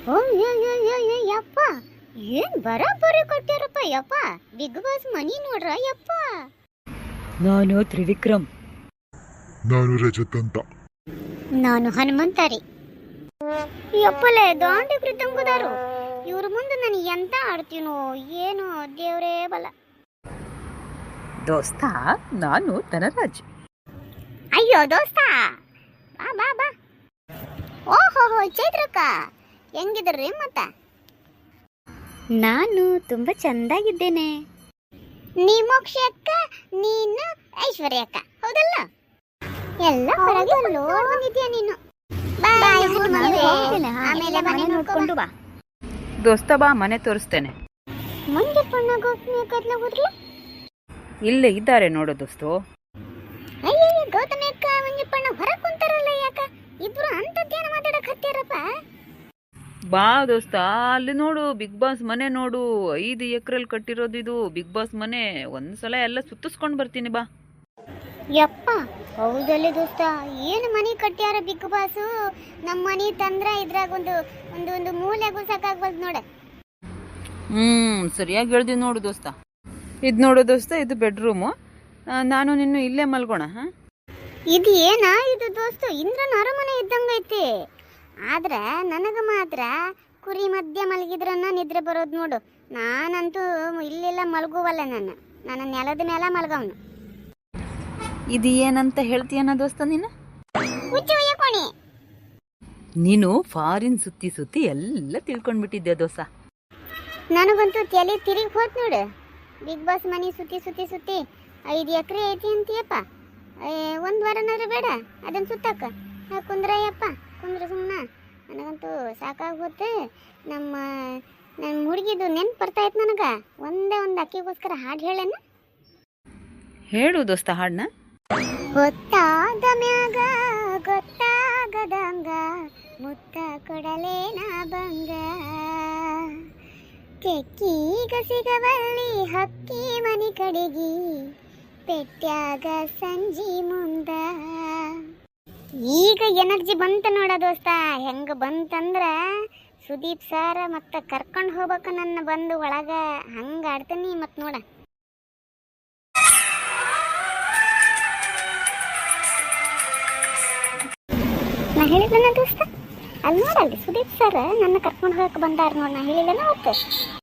ಓ ಯಪ್ಪ, ಏನ್ ಬರೋಬ್ಬರಿ ಕೊಟ್ಟ್ಯಾರಪ್ಪ ಯಪ್ಪ. ಬಿಗ್ ಬಾಸ್ ಮನಿ ನೋಡ್ರ ಯಪ್ಪ. ನಾನು ತ್ರಿವಿಕ್ರಮ್. ನಾನು ರಜತ್ ಅಂತ. ನಾನು ಹನುಮಂತಾರಿ. ಯಪ್ಪಲೆ ದಾಂಡಿ ಕೃತಂಗುದಾರು. ಇವ್ರ ಮುಂದೆ ನಾನು ಎಂತ ಆಡ್ತೀನೋ ಏನೋ ದೇವ್ರೇ ಬಲ. ದೋಸ್ತ, ನಾನು ಧನರಾಜ್. ಅಯ್ಯೋ ದೋಸ್ತ, ಬಾ ಬಾ ಬಾ. ಓಹೋ ಚೈತ್ರಕ್ಕ, ಹೆಂಗಿದ್ರಿ ಮತ್ತ? ನಾನು ತುಂಬಾ ಚಂದಾಗಿದ್ದೇನೆ. ನೀ ಮೋಕ್ಷ ಅಕ್ಕ, ನೀನು ಐಶ್ವರ್ಯ ಅಕ್ಕ, ಹೌದಲ್ಲ? ಎಲ್ಲ ಹೊರಗೆ ಬಂದಿದ್ಯಾ ನೀನು. ಆಮೇಲೆ ಮನೆ ನೋಡ್ಕೊಂಡು ಬಾ. ದೋಸ್ತ ಬಾ, ಮನೆ ತೋರಿಸ್ತೇನೆ. ಮುಂದೆ ಪುಣ್ಯ ಹೋದ್ರಲ್ಲ. ಇಲ್ಲೇ ಇದ್ದಾರೆ ನೋಡು ದೋಸ್ತು. ಅಯ್ಯ ಗೌತಮಿ ಅಕ್ಕ ಮಂಜಪ್ಪಣ್ಣ ಹೊರ ಕುಂತಾರಲ್ಲ, ಯಾಕ ಇಬ್ರು ಅಂತದ್ದೇನ ಮಾತಾಡಕ್ ಹತ್ಯಾರಪ್ಪ? ಬಾ ದೋಸ್ತ, ಅಲ್ಲಿ ನೋಡು ಬಿಗ್ ಬಾಸ್ ಮನೆ ನೋಡು. 5 ಎಕರೆಲ್ ಕಟ್ಟಿರೋದು ಇದು ಬಿಗ್ ಬಾಸ್ ಮನೆ. ಒಂದ್ಸಲ ಎಲ್ಲ ಸುತ್ತಿಸ್ಕೊಂಡ್ ಬರ್ತೀನಿ ಬಾ. ಯಪ್ಪ, ಹೌದಲ್ಲಿ ದೋಸ್ತ, ಏನು ಮನಿ ಕಟ್ಟ್ಯಾರ ಬಿಗ್ ಬಾಸು. ನಮ್ಮ ಮನಿ ತಂದ್ರ ಇದ್ರಾಗ ಒಂದು ಒಂದು ಒಂದು ಮೂಲೆಗೂ ಸಾಕಾಗ್ಬಲ್ದು ನೋಡ. ಸರಿಯಾಗಿ ಹೇಳ್ದಿ ನೋಡು ದೋಸ್ತ. ಇದು ನೋಡು ದೋಸ್ತ, ಇದು ಬೆಡ್ರೂಮು. ನಾನು ನಿನ್ನು ಇಲ್ಲೇ ಮಲ್ಗೋಣ. ಇದು ಏನ ಇದು ದೋಸ್ತು, ಇಂದ್ರನ ಅರಮನೆ ಇದ್ದಂಗೈತಿ. ಆದ್ರೆ ನನಗ ಮಾತ್ರ ಕುರಿ ಮಧ್ಯ ಮಲಗಿದ್ರನ್ನ ನಿದ್ರೆ ಬರೋದು ನೋಡು. ನಾನಂತೂ ಇಲ್ಲೆಲ್ಲ ಮಲಗುವಲ್ಲ. ನನ್ನ ನೆಲದ ಮೇಲೆ ಮಲಗವನು. ಇದು ಏನಂತ ಹೇಳ್ತೀಯನ ದೋಸ್ತ ನೀನು? ಕೋಣಿ. ನೀನು ಫಾರಿನ್ ಸುತ್ತಿ ಸುತ್ತಿ ಎಲ್ಲ ತಿಳ್ಕೊಂಡ್ಬಿಟ್ಟಿದ್ದೆ ದೋಸ್ತ. ನನಗಂತೂ ತಲೆ ತಿರುಗಿ ಹೋತ್ ನೋಡು. ಬಿಗ್ ಬಾಸ್ ಮನಿ ಸುತ್ತಿ ಸುತ್ತಿ ಸುತ್ತಿ 5 ಎಕರೆ ಐತಿ ಅಂತೀಯಪ್ಪ. 1 ವಾರನಾದ್ರೂ ಬೇಡ ಅದನ್ನ ಸುತ್ತಕ್ಕ. ಕುಂದ್ರಯ್ಯಪ್ಪ, ಕುಂದ್ರ ಸುಮ್ಮನ. ನನಗಂತೂ ಸಾಕಾಗಿ ಹೋತೆ. ನನ್ನ ಹುಡುಗಿದು ನೆನ್ಪು ಬರ್ತಾಯಿತ್ತು ನನಗೆ. ಒಂದೇ ಒಂದು ಅಕ್ಕಿಗೋಸ್ಕರ ಹಾಡು ಹೇಳೇನ? ಹೇಳು ದೋಸ್ತ ಹಾಡನ್ನ. ಗೊತ್ತಾದ ಮ್ಯಾಗ ಗೊತ್ತಾಗದಂಗ ಮುತ್ತ ಕೊಡಲೇನ ಬಂಗ, ತೆಕ್ಕೀಗ ಸಿಗವಲ್ಲಿ ಹಕ್ಕಿ ಮನಿ ಕಡೆಗಿ ಪೆಟ್ಟ್ಯಾಗ ಸಂಜಿ ಮುಂದ. ಈಗ ಎನರ್ಜಿ ಬಂತ ನೋಡ ದೋಸ್ತ. ಹೆಂಗ ಬಂತಂದ್ರ ಸುದೀಪ್ ಸರ್ ಮತ್ತೆ ಕರ್ಕೊಂಡು ಹೋಗ್ಬೇಕು ನನ್ನ ಬಂದು ಒಳಗ. ಹಂಗ ಆಡ್ತೀನಿ ಮತ್ ನೋಡ. ನಾ ಹೇಳಿದ್ನ ದೋಸ್ತ, ಅಲ್ಲಿ ನೋಡಲ್ಲಿ ಸುದೀಪ್ ಸರ್ ನನ್ನ ಕರ್ಕೊಂಡು ಹೋಗಕ್ಕೆ ಬಂದಾರ ನೋಡ. ನಾ ಹೇಳಿಲ್ಲ ಅವತ್ತು.